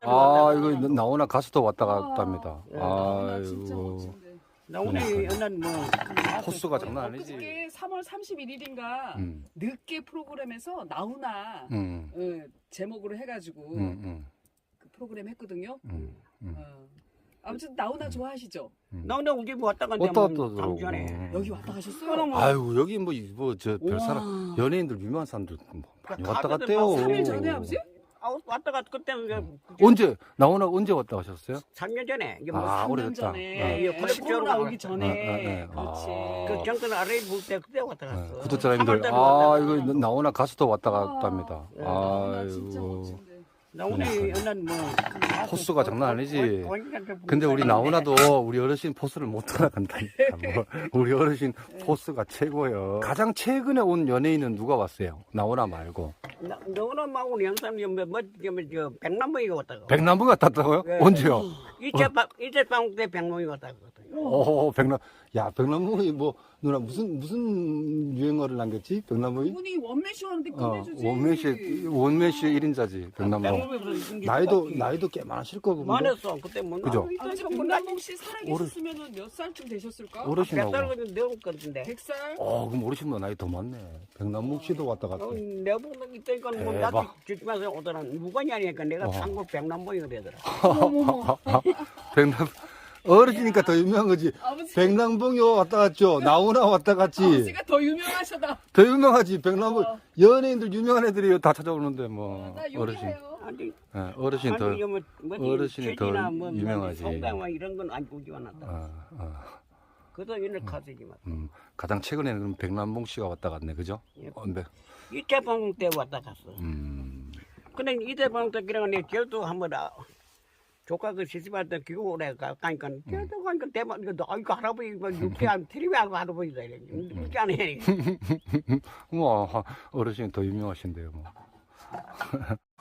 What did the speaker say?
아, 이거 나오나 가수도 왔다 갔답니다. 나 진짜 아이고. 멋진데. 나오네 옛날 뭐 호수가 장난 아니지. 엊그저께 3월 31일인가 늦게 프로그램에서 나훈아 제목으로 해가지고 그 프로그램 했거든요. 아무튼 나훈아 좋아하시죠? 나오네 우리 뭐 왔다 갔는데 왔다 뭐 갔다 다음 그러고. 주에 여기 왔다 가셨어요? 그럼 아유, 여기 저 별사람, 우와. 연예인들, 유명한 사람들 뭐 많이 왔다 가게들 갔대요. 막 3일 전에 아버지? 왔다 갔 그때 언제, 나오나 언제 왔다 가셨어요? 3년 전에 이게 뭐 아, 3년 오래됐다. 전에 예, 콜렉션 코로나 쪽으로 오기 전에 나왔다. 그렇지. 그 정권 아래 볼때 그때 왔다 갔어. 구독자님들, 3월 달에 아, 왔다 이거 갔어. 나오나 가수도 왔다 갔답니다. 나훈아 진짜 아이고. 멋진데. 나오네 옛날 뭐 포스가 장난 아니지. 근데 우리 나오나도 우리 어르신 포스를 못 따라간다니까. 뭐, 우리 어르신 포스가 최고예요. 가장 최근에 온 연예인은 누가 왔어요? 나오나 말고. 너는 막고 영상 저 백남봉이가 왔다고. 백남부가 땄다고요? 네. 언제요? 이제 방때 백남봉이 왔다고. 오, 백남부이 뭐, 누나 무슨 유행어를 남겼지? 백남부이? 이분이 원맨쇼 하는데 끝내주지. 원맨쇼 1인자지, 백남부. 나이도 꽤 많으실 거고. 근데. 많았어 그때 뭐. 그죠? 아버지 백남봉 씨 살아계셨으면 몇 살쯤 되셨을까? 어르신하고. 100살 내고 건데. 100살? 그럼 어르신보다 나이 더 많네. 백남국 씨도 왔다 갔대. 내보고 있다니까 뭐 대박. 나도 주집에서 오더라. 무관이 아니니까 내가 어. 한국 백남봉이가 되더라. 어머머머. 백남, 어르신이니까 더 유명한 거지. 아버지, 백남봉이 왔다 갔죠. 나오나 왔다 갔지. 아버지가 더 유명하셔다. 더 유명하지. 백남봉. 연예인들 유명한 애들이 다 찾아오는데 뭐. 나 어르신. 요리해요. 아니 예, 어르신 더. 이거 뭐 어르신이 더 체질이나 뭐 유명하지. 성당 뭐 이런 건 안 오지 않았다. 그도 옛날 가수지만. 가장 최근에는 그럼 백남봉 씨가 왔다 갔네. 그죠? 예. 네. 이태방 때 왔다 갔어. 음. 근데 이태방 때 그냥 내 제주도 한번 조카 그 시집할 때 기고래 가니까 제주도 가니까 대박 이거 이거 할아버지 뭐 유쾌한 TV하고 할아버지다 이래. 이렇게 안 해. 뭐, 어르신 더 유명하신데요. 뭐.